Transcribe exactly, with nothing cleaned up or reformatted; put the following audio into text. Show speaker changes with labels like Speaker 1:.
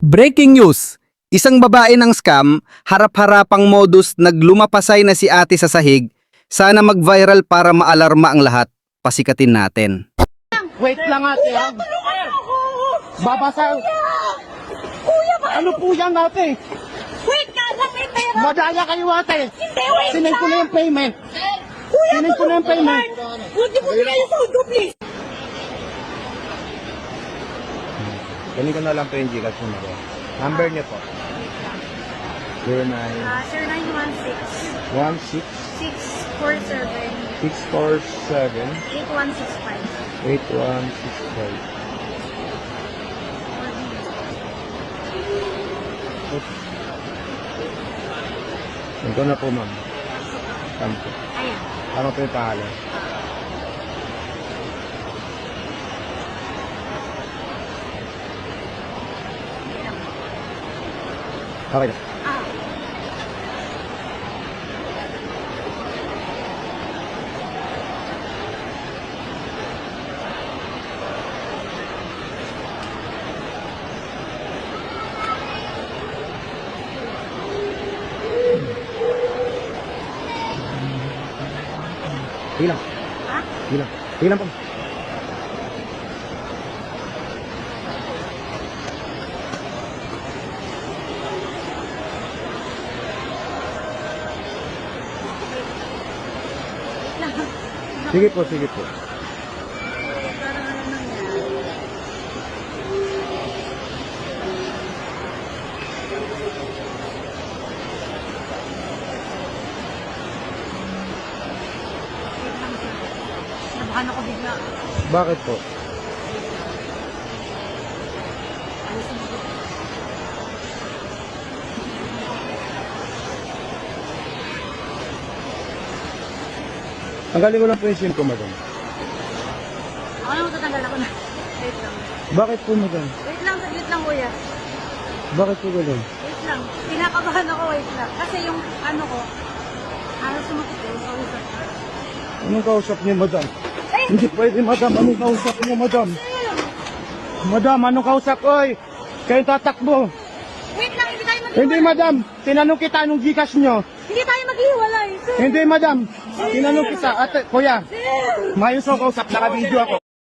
Speaker 1: Breaking news! Isang babae ng scam, harap-harapang modus naglumapasay na si ate sa sahig. Sana mag-viral para maalarma ang lahat. Pasikatin natin.
Speaker 2: Wait lang ate. ha? Babasa.
Speaker 3: Kuya ba?
Speaker 2: Ano po yan ate?
Speaker 3: Wait ka lang, may pera.
Speaker 2: Madaya kayo ate.
Speaker 3: Hindi, wait
Speaker 2: Sinend ko na yung payment.
Speaker 3: Kuya,
Speaker 2: Sinend ko na yung payment.
Speaker 3: Huwag niyo po kayo sundo, please.
Speaker 4: Galing ko na lang po yung Gcash mo na. Number niyo po. zero nine
Speaker 3: Ah, sir, nine one six,
Speaker 4: one six
Speaker 3: six four seven,
Speaker 4: six four seven
Speaker 3: eight one six five.
Speaker 4: eight one six five. Ito na po ma'am. Tama po.
Speaker 3: Ayan.
Speaker 4: Tama po yung pangalan. Okay na.
Speaker 3: Ah,
Speaker 4: Hilang.
Speaker 3: ha?
Speaker 4: Hilang. Hilang po. Sige po, sige po.
Speaker 3: Parang ano nangyari. Nabahan ako bigla.
Speaker 4: Bakit po? Tanggalin ko lang po yung SIM ko, madam.
Speaker 3: Ako na matatanggal ako na. Wait lang.
Speaker 4: Bakit po, madam?
Speaker 3: Wait lang, saglit lang kuya.
Speaker 4: Bakit po gano'n?
Speaker 3: Wait lang. Pinakabahan ako, wait lang. Kasi yung ano ko, ano sumakit ko, kausap ko.
Speaker 4: Anong kausap niyo, madam?
Speaker 3: Ay!
Speaker 4: Hindi pwede, madam. Anong kausap niyo, madam? Madam, anong kausap? Oy! Kayo tatakbo.
Speaker 3: Wait lang, hindi tayo mag
Speaker 4: Hindi, madam. Tinanong kita anong Gcash niyo.
Speaker 3: Hindi tayo maghiwalay, sir.
Speaker 4: Hindi, madam. Tinanong kita. Ate, kuya. Mayos ako kausap. Naka-video ako.